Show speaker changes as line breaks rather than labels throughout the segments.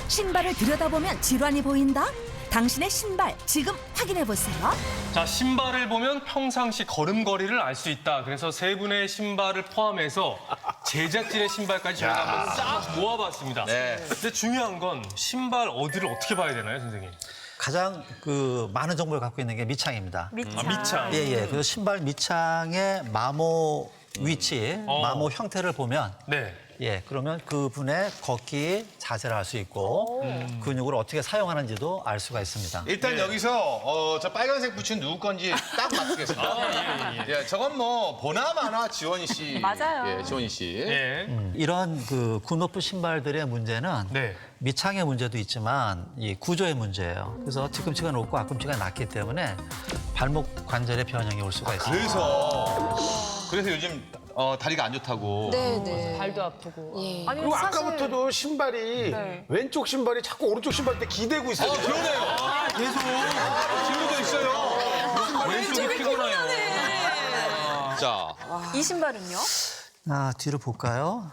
신발을 들여다보면 질환이 보인다? 당신의 신발 지금 확인해보세요.
자, 신발을 보면 평상시 걸음걸이를 알 수 있다. 그래서 세 분의 신발을 포함해서 제작진의 신발까지 저희가 한번 싹 모아봤습니다.
네.
근데 중요한 건 신발 어디를 어떻게 봐야 되나요, 선생님?
가장 많은 정보를 갖고 있는 게 밑창입니다.
밑창.
예. 그래서 신발 밑창의 마모 위치, 마모 형태를 보면
네.
그러면 그분의 걷기 자세를 알 수 있고 근육을 어떻게 사용하는지도 알 수가 있습니다.
일단 여기서 저 빨간색 부츠는 누구 건지 딱 맞추겠습니다. 예, 저건 뭐 보나마나 지원이 씨.
맞아요.
예, 지원이 씨.
예.
이런 굽높은 신발들의 문제는
네.
밑창의 문제도 있지만 이 구조의 문제예요. 그래서 뒤꿈치가 높고 앞꿈치가 낮기 때문에 발목 관절의 변형이 올 수가 있습니다.
그래서 요즘 다리가 안 좋다고.
네네.
발도 아프고.
예.
아니,
그리고
사실
아까부터도 신발이 왼쪽 신발이 자꾸 오른쪽 신발 때 기대고 있어요.
그러네요. 계속 기울어져 있어요.
왼쪽이 피곤해요.
자,
이 신발은요?
뒤로 볼까요?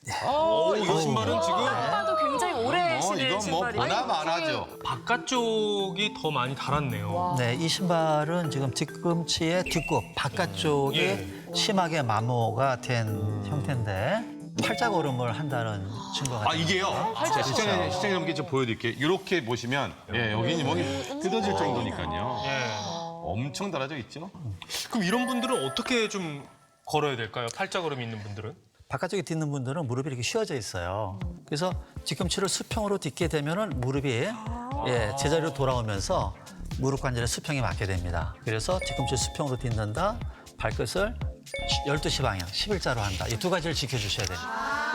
이 신발은 지금
봐도 굉장히 오래 신은
이건 뭐
신발이에요.
보나마나죠.
바깥쪽이 더 많이 달았네요.
네, 이 신발은 지금 뒤꿈치의 뒷굽 바깥쪽이 심하게 마모가 된 형태인데 팔자걸음을 한다는 증거가
아, 이게요? 자, 시청자분께 좀 보여드릴게요. 이렇게 보시면, 여기는 뭐 뜯어질 정도니까요. 엄청 달아져 있죠?
그럼 이런 분들은 어떻게 좀 걸어야 될까요? 팔자걸음이 있는 분들은?
바깥쪽에 딛는 분들은 무릎이 이렇게 휘어져 있어요. 그래서 뒤꿈치를 수평으로 딛게 되면은 무릎이 제자리로 돌아오면서 무릎 관절에 수평이 맞게 됩니다. 그래서 뒤꿈치 수평으로 딛는다, 발끝을 12시 방향, 11자로 한다. 이 두 가지를 지켜주셔야 됩니다.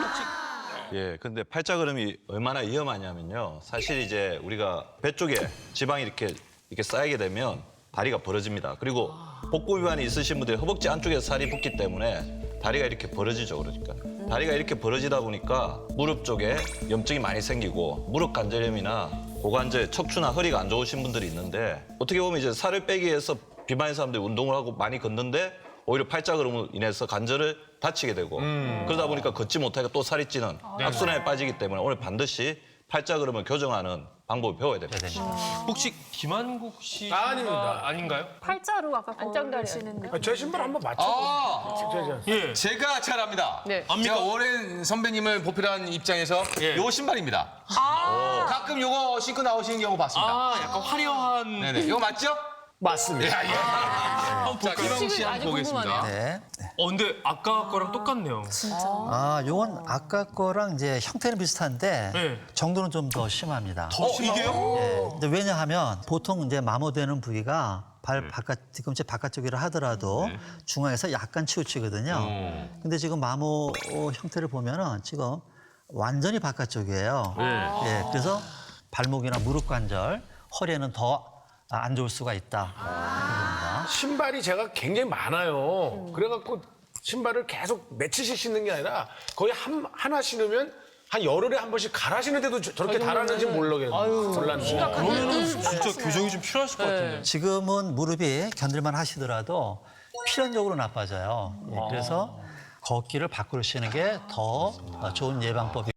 예, 근데 팔자걸음이 얼마나 위험하냐면요. 사실 이제 우리가 배 쪽에 지방이 이렇게 쌓이게 되면 다리가 벌어집니다. 그리고 복부 위반이 있으신 분들이 허벅지 안쪽에 살이 붙기 때문에 다리가 이렇게 벌어지죠, 그러니까. 다리가 이렇게 벌어지다 보니까 무릎 쪽에 염증이 많이 생기고 무릎 관절염이나 고관절, 척추나 허리가 안 좋으신 분들이 있는데 어떻게 보면 이제 살을 빼기 위해서 비만인 사람들이 운동을 하고 많이 걷는데 오히려 팔자걸음으로 인해서 관절을 다치게 되고 그러다 보니까 걷지 못하니까 또 살이 찌는 악순환에 빠지기 때문에 오늘 반드시 팔자걸음을 교정하는 방법을 배워야 됩니다.
혹시 김한국 씨가
아닙니다.
아닌가요?
팔자로 아까
안짱다리.
걸으시는 느낌.
제 신발 한번 맞춰보세요.
예.
제가 잘 압니다.
네.
제가 오랜 선배님을 보필한 입장에서 요 신발입니다. 가끔 요거 신고 나오시는 경우 봤습니다.
약간 화려한.
네네. 이거 맞죠?
맞습니다.
자, 김한국 씨
아주
한번 보겠습니다.
궁금하네요.
네.
근데 아까 거랑 똑같네요.
요건 아까 거랑 이제 형태는 비슷한데
네.
정도는 좀 더 심합니다.
이게요?
근데 왜냐하면 보통 이제 마모되는 부위가 뒤꿈치 바깥쪽이라 하더라도 중앙에서 약간 치우치거든요. 근데 지금 마모 형태를 보면은 지금 완전히 바깥쪽이에요. 그래서 발목이나 무릎 관절, 허리에는 더 안 좋을 수가 있다.
신발이 제가 굉장히 많아요. 그래갖고 신발을 계속 며칠씩 신는 게 아니라 거의 하나 신으면 한 열흘에 한 번씩 갈아 신는데도 저렇게 달았는지 몰랐는데.
그러면은 진짜 교정이 좀 필요하실 것 같은데.
지금은 무릎이 견딜만 하시더라도 필연적으로 나빠져요. 그래서 걷기를 밖으로 쉬는 게 더 좋은 예방법이